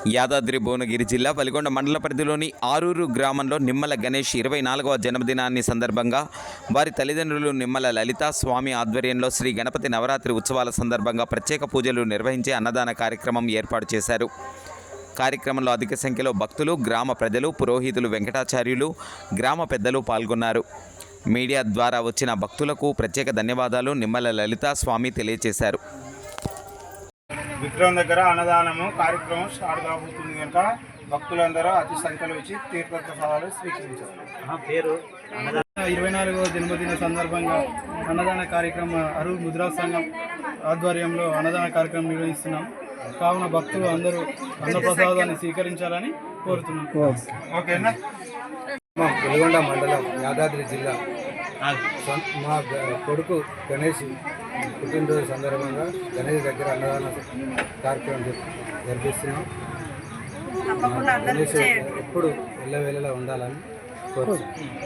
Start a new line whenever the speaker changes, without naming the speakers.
యాదాద్రి భువనగిరి జిల్లా వలిగొండ మండల పరిధిలోని ఆరూరు గ్రామంలో నిమ్మల గణేష్ 24వ జన్మదినాన్ని సందర్భంగా వారి తల్లిదండ్రులు నిమ్మల లలిత స్వామి ఆధ్వర్యంలో శ్రీ గణపతి నవరాత్రి ఉత్సవాల సందర్భంగా ప్రత్యేక పూజలు నిర్వహించి అన్నదాన కార్యక్రమం ఏర్పాటు చేశారు. కార్యక్రమంలో అధిక సంఖ్యలో భక్తులు, గ్రామ ప్రజలు, పురోహితులు, వెంకటాచార్యులు, గ్రామ పెద్దలు పాల్గొన్నారు. మీడియా ద్వారా వచ్చిన భక్తులకు ప్రత్యేక ధన్యవాదాలు నిమ్మల లలిత స్వామి తెలియజేశారు.
విగ్రహం దగ్గర అన్నదానము కార్యక్రమం స్టార్ట్ కాబోతుంది కనుక భక్తులందరూ అతి సంఖ్యలో వచ్చి తీర్థప్రసాదాలు స్వీకరించారు.
24వ జన్మదిన సందర్భంగా అన్నదాన కార్యక్రమం అరువు ముద్రా సంఘం ఆధ్వర్యంలో అన్నదాన కార్యక్రమం నిర్వహిస్తున్నాం. కావున భక్తులు అందరూ అన్నప్రసాదాన్ని స్వీకరించాలని కోరుతున్నాం.
ఓకేనా?
మా వెలిగొండ మండలం యాదాద్రి జిల్లా మా కొడుకు గణేష్ పుట్టినరోజు సందర్భంగా గణేష్ దగ్గర అన్నదాన కార్యక్రమం జరిపిస్తున్నాం. గణేష్ ఎప్పుడు వెళ్ళవేళలా ఉండాలని కోరుతున్నాం.